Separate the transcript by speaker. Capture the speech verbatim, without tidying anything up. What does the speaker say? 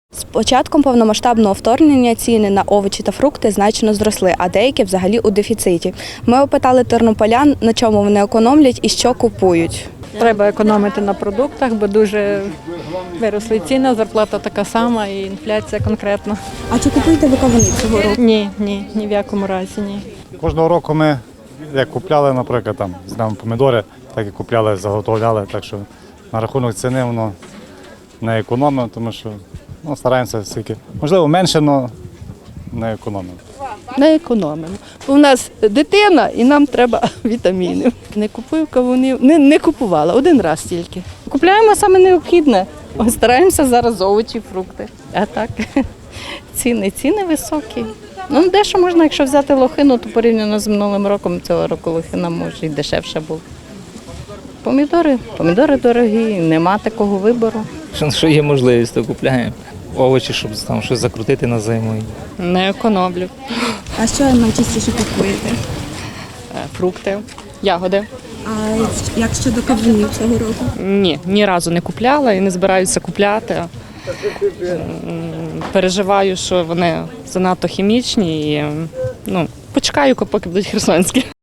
Speaker 1: З початком повномасштабного вторгнення ціни на овочі та фрукти значно зросли, а деякі взагалі у дефіциті. Ми опитали тернополян, на чому вони економлять і що купують.
Speaker 2: Треба економити на продуктах, бо дуже виросли ціни, зарплата така сама і інфляція конкретно.
Speaker 1: А чи купуєте ви кавуни цього року?
Speaker 2: Ні, ні, ні в якому разі ні.
Speaker 3: Кожного року ми як купляли, наприклад, там знаємо помідори, так і купляли, заготовляли. Так що на рахунок ціни воно не економимо, тому що ну, стараємося стільки. Можливо, менше, але не економимо.
Speaker 4: Не економимо. У нас дитина і нам треба вітамінів. Не купую кавунів, не, не купувала, один раз тільки. Купляємо саме необхідне. Стараємося зараз овочі, фрукти. А так, ціни, ціни високі. Ну, дещо можна, якщо взяти лохину, то порівняно з минулим роком цього року лохина може і дешевша була. Помідори, помідори дорогі, нема такого вибору.
Speaker 5: Що є можливість, то купляємо. Овочі, щоб там щось закрутити на зиму.
Speaker 2: Не економлю.
Speaker 1: А що найчастіше купуєте?
Speaker 2: Фрукти, ягоди.
Speaker 1: А як щодо кавунів цього року?
Speaker 2: Ні, ні разу не купляла і не збираюся купляти. М, Переживаю, що вони занадто хімічні і ну, почекаю, поки будуть херсонські.